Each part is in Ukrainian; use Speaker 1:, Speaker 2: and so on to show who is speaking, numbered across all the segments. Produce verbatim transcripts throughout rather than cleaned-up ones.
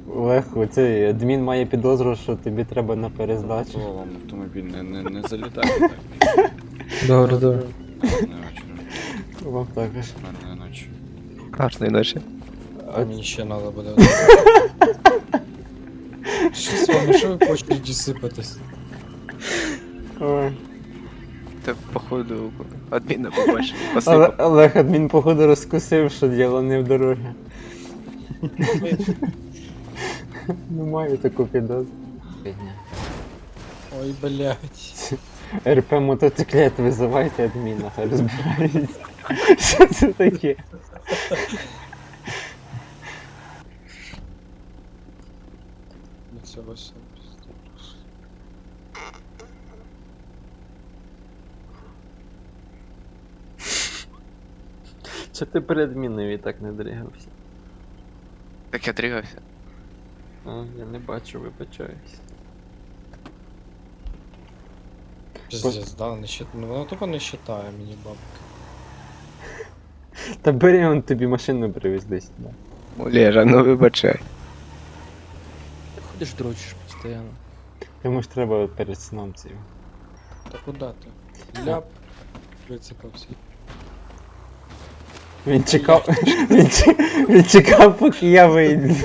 Speaker 1: Легко, цей адмін має підозру, що тобі треба на перездачу.
Speaker 2: О, вам автомобіль не, не, не залітає так.
Speaker 3: Добре, добре.
Speaker 2: Гарної вечора.
Speaker 1: Вам також.
Speaker 2: Гарної ночі.
Speaker 3: Гарної ночі.
Speaker 4: А мені ще треба буде. Що з вами, що ви по очереді сипатесь?
Speaker 1: Ой.
Speaker 3: Та походу адміна побачив.
Speaker 1: Але
Speaker 3: Посипав.
Speaker 1: Олег адмін, походу, розкусив, що діло не в дорогі. Не маю таку підозру.
Speaker 4: Ой, блядь.
Speaker 1: РП мотоциклет визивайте адміна, хай розбирається. Що це таке?
Speaker 4: Ну це все пиздец.
Speaker 1: Чи ти перед адмінові так не дригався?
Speaker 3: Так я дрігався.
Speaker 1: А, я не бачу, вибачаюсь.
Speaker 4: Пиздец, да, не счит... ну вона тупо не считає мені бабки.
Speaker 1: Та бери, он тобі машину привіз десь. Да.
Speaker 3: Олежа, ну вибачай.
Speaker 5: Ты ходишь, дрочишь постоянно.
Speaker 1: Йому ж треба перед сном цим.
Speaker 4: Та куди ти? Ляп. Вицепався.
Speaker 1: Він чекав. Він, чекав, він чекав, поки я вийду.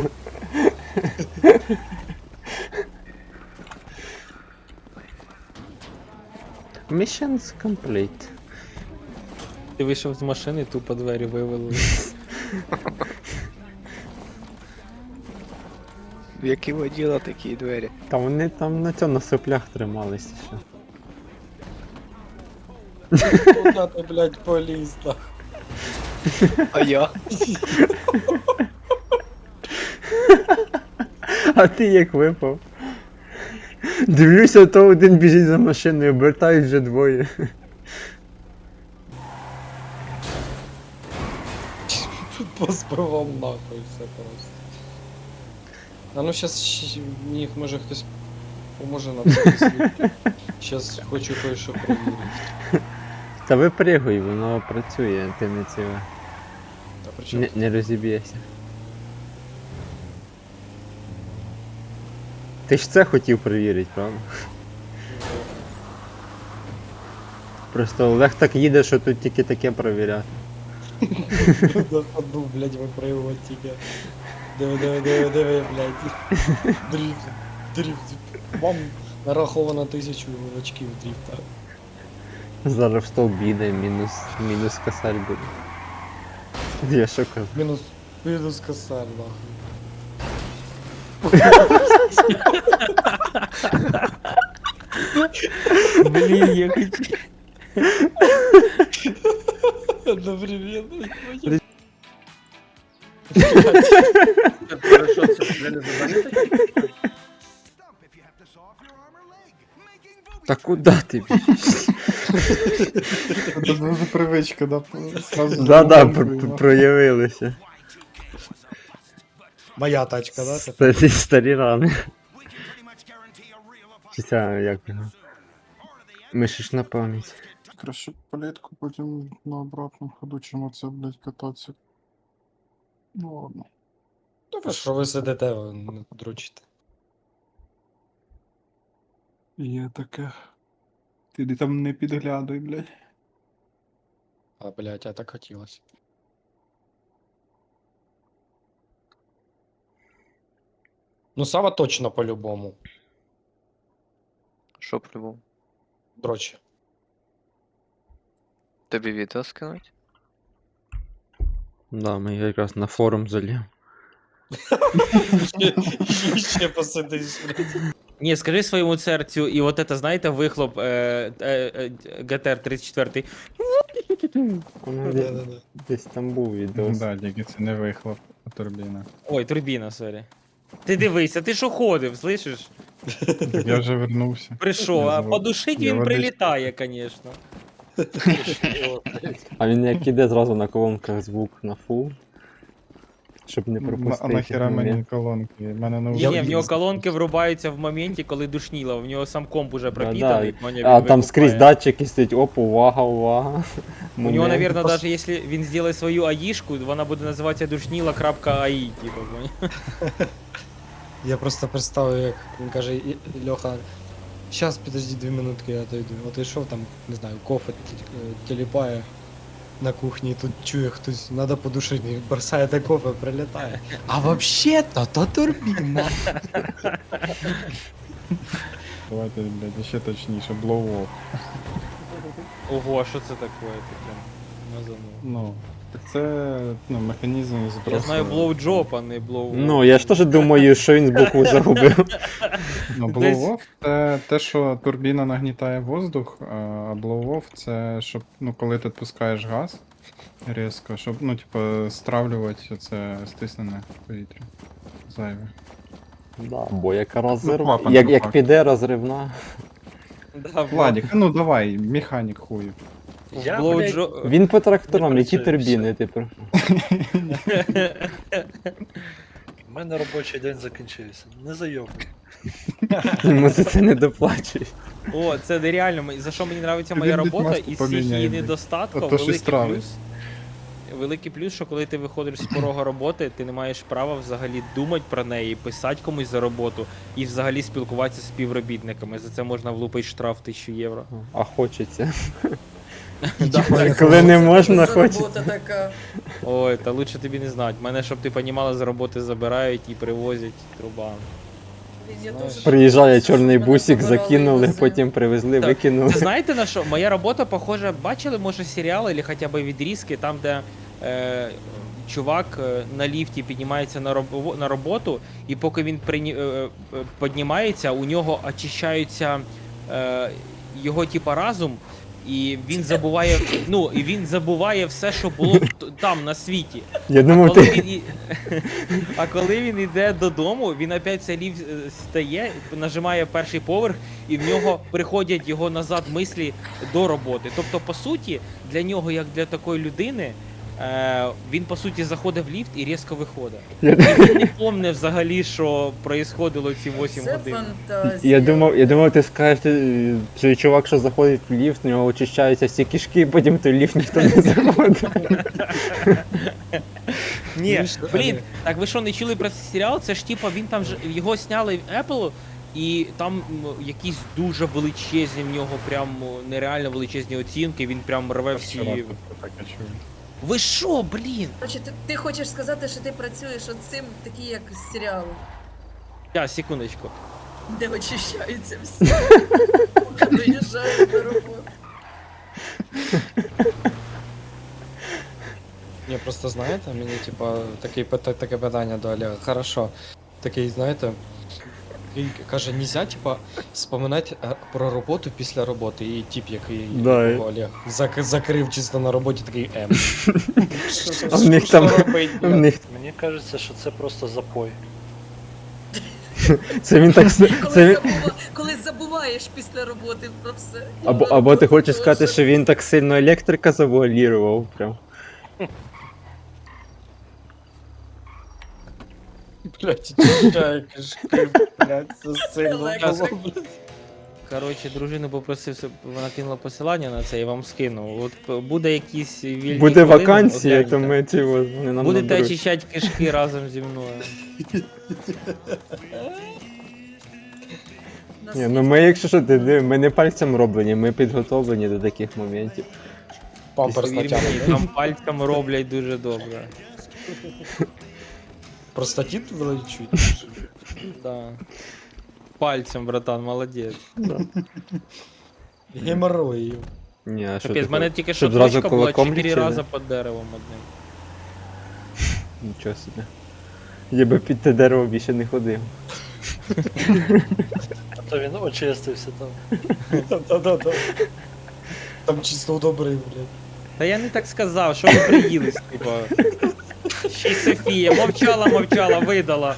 Speaker 1: Missions complete.
Speaker 5: Ти вийшов з машини, тупо двері вивели.
Speaker 3: В які воділа такі двері.
Speaker 1: Та вони там на цьому на соплях трималися ще.
Speaker 4: Куди ти, блядь, поліз так?
Speaker 3: А я?
Speaker 1: А ти як випав? Дивлюся, то один біжить за машиною, обертають вже двоє.
Speaker 4: Позбивав нахуй все просто. А ну щас мені може хтось поможе нам це. Щас хочу кое-що перевірити.
Speaker 1: Та випригуй, воно працює, ти не ціле.
Speaker 4: Та при чому?
Speaker 1: Не, не розіб'єшся. Ти ж це хотів перевірити, правда? Просто Олег так їде, що тут тільки таке перевіряти.
Speaker 4: На ходу, блядь, випригувати тільки. Диви, диви, диви, диви, блядь. Дрифт, дрифт. Вам нараховано тисячу очків дрифта.
Speaker 1: Зараз в стовп їде, мінус, мінус косарь буде. Я що кажу?
Speaker 4: Мінус, мінус косарь, нахуй.
Speaker 5: Блін, я хочу.
Speaker 4: Одновременно.
Speaker 5: Хорошо, це вже не завдання таке?
Speaker 1: Та куди ти біжиш?
Speaker 6: Це дуже привичка, да? Сразу
Speaker 1: Да-да,
Speaker 6: зрозуміло.
Speaker 1: пр- проявилися.
Speaker 4: Моя тачка, да? це?
Speaker 1: Старі, старі рани. Чи це як його? Мишиш на пам'ять.
Speaker 6: Краще палетку потім на обратному ходу, чим оце, блядь, кататися. Ну ладно.
Speaker 4: А що ви сидите, ви не дрочите?
Speaker 6: Є таке. Ти де там не підглядуй, блядь.
Speaker 4: А, блядь, а так хотілося. Ну, Сава точно по-любому.
Speaker 3: Що по-любому?
Speaker 4: Дрочі.
Speaker 3: Тобі відео скинуть?
Speaker 1: Да, ми якраз на форум залів.
Speaker 4: Ще, ще посидиш, блядь.
Speaker 5: Ні, скажи своєму серцю, і от это, знаєте, вихлоп е, е, е, ге те ар тридцять четвертий.
Speaker 1: Воно десь,
Speaker 4: Да-да-да.
Speaker 1: десь там був відео.
Speaker 6: Да, тільки це не вихлоп, а турбіна.
Speaker 5: Ой, турбіна, сорі. Ти дивися, ти що ходив, слышиш?
Speaker 6: Так я вже вернувся.
Speaker 5: Прийшов,
Speaker 6: Я
Speaker 5: а
Speaker 6: забув.
Speaker 5: подушить
Speaker 6: Я
Speaker 5: він
Speaker 6: водички.
Speaker 5: прилітає, звісно.
Speaker 1: А він як іде зразу на колонках звук на фул. Щоб не
Speaker 6: М,
Speaker 1: пропустити.
Speaker 6: А нахера мені
Speaker 1: момент.
Speaker 6: колонки? В мене на
Speaker 5: Ні, ні, в нього колонки врубаються в моменті, коли душніло, в нього сам комп уже пропітаний,
Speaker 1: Да,
Speaker 5: поняв,
Speaker 1: А
Speaker 5: він
Speaker 1: там скрізь
Speaker 5: викупає.
Speaker 1: датчики стоять, оп, увага, увага.
Speaker 5: У нього,
Speaker 1: Момент.
Speaker 5: наверное, даже якщо він зробить свою аїшку, вона буде називатися душніла.аі, типу, поняв?
Speaker 4: Я просто представив, як він каже, «І- Льоха, щас підожди дві минутки, я дойду. От йшов там, не знаю, кофе т- тіліпає на кухні, і тут чує хтось, надо подушити, і бросає те кофе, прилітає. А вообще-то, то турбіна.
Speaker 6: Давайте, блядь, ще точніше, blow off.
Speaker 5: Ого, а що це таке? Таке назову.
Speaker 6: Ну, так це, ну, механізм збросу.
Speaker 5: Я знаю blowjob, а не blow.
Speaker 1: Ну, я ж теж думаю, що він з букву загубив.
Speaker 6: Ну,
Speaker 5: Десь-
Speaker 6: blow off це те, що турбіна нагнітає воздух, а blow off це, щоб, ну, коли ти відпускаєш газ різко, щоб, ну, типу, стравлювати це стиснене повітря. Зайве.
Speaker 1: Да, бо яка розрив...
Speaker 6: клапан
Speaker 1: як,
Speaker 6: по
Speaker 1: як
Speaker 6: факту.
Speaker 1: піде розривна.
Speaker 5: Да,
Speaker 6: Владик, а ну давай, механік хуїв.
Speaker 7: Я,
Speaker 5: blowjob.
Speaker 1: Він по тракторам,
Speaker 7: Не
Speaker 1: які
Speaker 7: працює,
Speaker 1: турбіни, типу.
Speaker 7: У мене робочий день закінчився. Не зайобуй.
Speaker 1: Йому за це не доплачують.
Speaker 5: О, це нереально. М- За що мені подобається
Speaker 6: Тобі
Speaker 5: моя
Speaker 6: будь
Speaker 5: робота
Speaker 6: маску
Speaker 5: і з цих
Speaker 6: поміняй,
Speaker 5: її
Speaker 6: блядь.
Speaker 5: недостатків,
Speaker 6: А то щось
Speaker 5: великий
Speaker 6: травить.
Speaker 5: плюс. Великий плюс, що коли ти виходиш з порога роботи, ти не маєш права взагалі думати про неї, писати комусь за роботу і взагалі спілкуватися з співробітниками. За це можна влупити штраф тисячу євро.
Speaker 1: А хочеться.
Speaker 5: Да.
Speaker 1: Коли не можна, хочеться.
Speaker 8: Робота така.
Speaker 5: Ой, та лучше тобі не знати. Мене, щоб ти понімала, з роботи забирають і привозять труба.
Speaker 8: Я
Speaker 4: Знаєш,
Speaker 8: теж
Speaker 1: Приїжджає
Speaker 8: так,
Speaker 1: чорний
Speaker 8: мене
Speaker 1: бусик,
Speaker 8: забирали
Speaker 1: закинули,
Speaker 8: в
Speaker 1: потім привезли,
Speaker 5: Так.
Speaker 1: викинули.
Speaker 5: Це знаєте на що? Моя робота похожа, бачили, може, серіали або хоча б відрізки, там, де е, чувак е, на ліфті піднімається на, робо, на роботу, і поки він прині, е, е, піднімається, у нього очищаються е, його типа разум, і він забуває, ну, і він забуває все, що було в т- там, на світі.
Speaker 1: Я
Speaker 5: А
Speaker 1: думав,
Speaker 5: коли,
Speaker 1: ти.
Speaker 5: він, і- а коли він йде додому, він опять цей ліфт е, стає, нажимає перший поверх, і в нього приходять його назад мислі до роботи. Тобто, по суті, для нього, як для такої людини, е, він по суті заходить в ліфт і різко виходить.
Speaker 1: Я,
Speaker 5: І він не пам'ятає взагалі, що происходило ці вісім
Speaker 8: Це
Speaker 5: годин.
Speaker 8: фантазія.
Speaker 1: я думав, я думав, ти скажеш, ти, що чувак, що заходить в ліфт, у нього очищаються всі кишки, потім в той ліфт ніхто не заходить.
Speaker 5: Ні,
Speaker 4: Знаєш,
Speaker 5: блін,
Speaker 4: але-
Speaker 5: так ви що не чули про цей серіал? Це ж типа він там ж його сняли в Apple, і там м, якісь дуже величезні в нього, прям м, нереально величезні оцінки. Він прям рве всі.
Speaker 6: Вчора тут таке чув.
Speaker 5: Ви що, блін?
Speaker 8: Короче, ти, ти хочеш сказати, що ти працюєш от цим, такі як з серіалу,
Speaker 5: Я, секундочку.
Speaker 8: де очищаються всі. Доїжджаєш до роботи.
Speaker 4: Ні, просто знаєте, мені типа таке, таке питання до Олега. Хорошо. Такий, знаєте, такий каже, нельзя, типа, споминати е, про роботу після роботи. І тип, який
Speaker 1: Да,
Speaker 4: якого Олег зак, закрив чисто на роботі, такий М.
Speaker 1: А в них там, в них,
Speaker 7: Мені кажеться, що це просто запой.
Speaker 1: це він так, с- це
Speaker 8: Коли,
Speaker 1: він,
Speaker 8: забува... Коли забуваєш після роботи про все.
Speaker 1: або, або ти хочеш сказати, що він так сильно електрика завуалірував, прям.
Speaker 4: Блять, чищає кишки, блять, це сильно
Speaker 8: Електрик.
Speaker 4: було, блядь.
Speaker 5: Коротше, дружину попросив, щоб вона кинула посилання на це і вам скинув. От п- буде якісь вільні
Speaker 1: Буде
Speaker 5: хвилини,
Speaker 1: вакансія, то
Speaker 5: огляньте.
Speaker 1: ми ці от, вони нам
Speaker 5: Будете
Speaker 1: наберуть.
Speaker 5: очищати кишки разом зі мною.
Speaker 8: На
Speaker 1: Ні, ну ми, якщо що, ти диви, ми не пальцем роблені, ми підготовлені до таких моментів.
Speaker 4: Памперс
Speaker 5: Повір мені,
Speaker 4: натягнув.
Speaker 5: там пальцями роблять дуже добре.
Speaker 4: Простатит вилечують?
Speaker 5: Да. Пальцем, братан, молодець.
Speaker 4: Геморрою.
Speaker 1: Ні, а що
Speaker 5: Капець,
Speaker 1: ти
Speaker 5: в мене
Speaker 1: хочеш?
Speaker 5: тільки що
Speaker 1: Щоб зразу
Speaker 5: точка була
Speaker 1: кулаком
Speaker 5: чотири
Speaker 1: лічили?
Speaker 5: рази під деревом одним.
Speaker 1: Нічого собі. Я би під те дерево більше не ходив.
Speaker 7: А то він очистився там.
Speaker 4: Да-да-да. Там чисто удобрив, блядь.
Speaker 5: Та я не так сказав, що ви приїлись, типа. Ще й Софія, мовчала, мовчала, видала.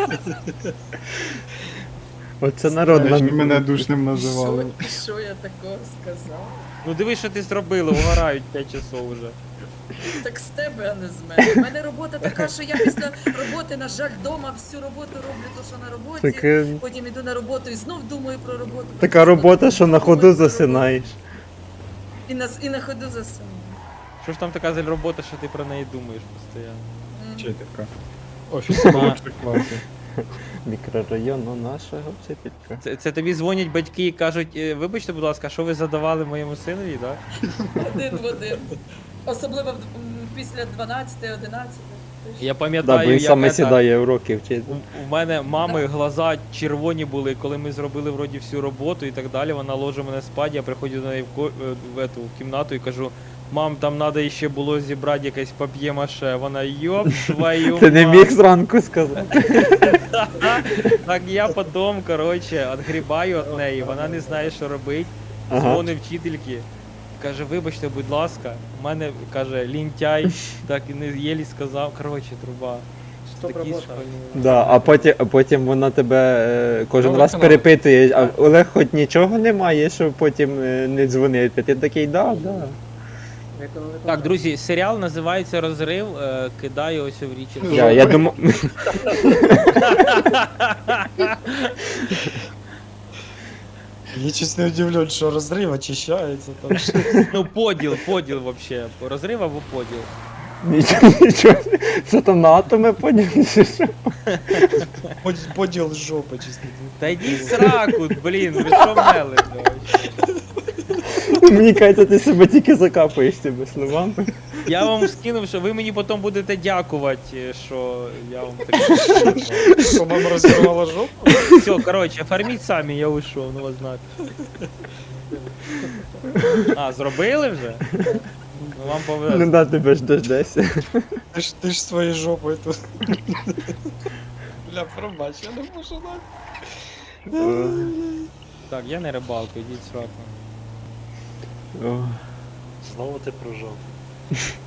Speaker 1: Оце народна.
Speaker 6: Знаєш, мене душним називали.
Speaker 8: Що, що я такого сказав?
Speaker 5: Ну диви, що ти зробила, угорають п'ять часов уже.
Speaker 8: Так з тебе, а не з мене. У мене робота така, що я після роботи, на жаль, вдома всю роботу роблю, то що на роботі.
Speaker 1: Таке,
Speaker 8: Потім іду на роботу і знов думаю про роботу.
Speaker 1: така робота, що на ходу засинаєш.
Speaker 8: І на, і на ходу засину.
Speaker 5: Що ж там така за робота, що ти про неї думаєш постійно?
Speaker 8: М.
Speaker 6: Вчителька.
Speaker 4: Офіс.
Speaker 6: Молодших класів.
Speaker 1: Мікрорайону нашого вчителька.
Speaker 5: Це, це тобі дзвонять батьки і кажуть, «Е, вибачте, будь ласка, що ви задавали моєму синові, так?
Speaker 8: Один в один. Особливо в- м, після дванадцяти одинадцяти.
Speaker 5: Я
Speaker 1: Да,
Speaker 5: пам'ятаю,
Speaker 1: бо він
Speaker 5: як
Speaker 1: саме
Speaker 5: это,
Speaker 1: сідає уроки вчити.
Speaker 5: у, у мене мами глаза червоні були, коли ми зробили вроді всю роботу і так далі. Вона ложе мене спати, я приходжу до неї в, ко- е, в, ету, в кімнату і кажу, мам, там треба ще було зібрати якесь пап'є-маше. Вона, йоп, твою
Speaker 1: Ти не
Speaker 5: мать».
Speaker 1: міг зранку сказати.
Speaker 5: Так я потім, коротше, відгрібаю від неї, вона не знає, що робити.
Speaker 1: Ага.
Speaker 5: Дзвонить вчительки. Каже, вибачте, будь ласка, у мене, каже, лінтяй, так і не єлі сказав. Коротше, труба.
Speaker 4: Стоп,
Speaker 5: Такі
Speaker 4: робота.
Speaker 5: школьні.
Speaker 1: Да, а потім, а потім вона тебе е, кожен
Speaker 4: Новий
Speaker 1: раз
Speaker 4: канал.
Speaker 1: перепитує, а Олег хоч нічого немає, щоб потім е, не дзвонити. Ти такий, да, да.
Speaker 5: Так, друзі, серіал називається Розрив. е, Кидаю ось в річі.
Speaker 1: Я, я думав.
Speaker 4: Я чесно не удивлен, що розрив очищається там.
Speaker 5: Ну, поділ, поділ вообще. Розрив або поділ.
Speaker 1: Нічого, нічого. Що там на атоми поділися?
Speaker 4: Под- Поділ жопи, чесно.
Speaker 5: Та йдіть в сраку, блін, ви що мели?
Speaker 1: Мені кажеться, ти себе тільки закапуєш цими словами.
Speaker 5: Я вам скинув, що ви мені потім будете дякувати, що я вам так.
Speaker 4: Що мама розірвала жопу?
Speaker 5: Все, коротше, фарміть самі, я уйшов, ну вас знати. А, зробили вже? Ну вам
Speaker 1: Ну
Speaker 5: повезло.
Speaker 1: да, тебе ж дождешся.
Speaker 4: Ти ж, ти ж своєю жопою тут. Бля, пробач, я не можу дати.
Speaker 5: Так, я не рибалка, йдіть в сраку.
Speaker 1: О.
Speaker 7: Знову ти про жопу.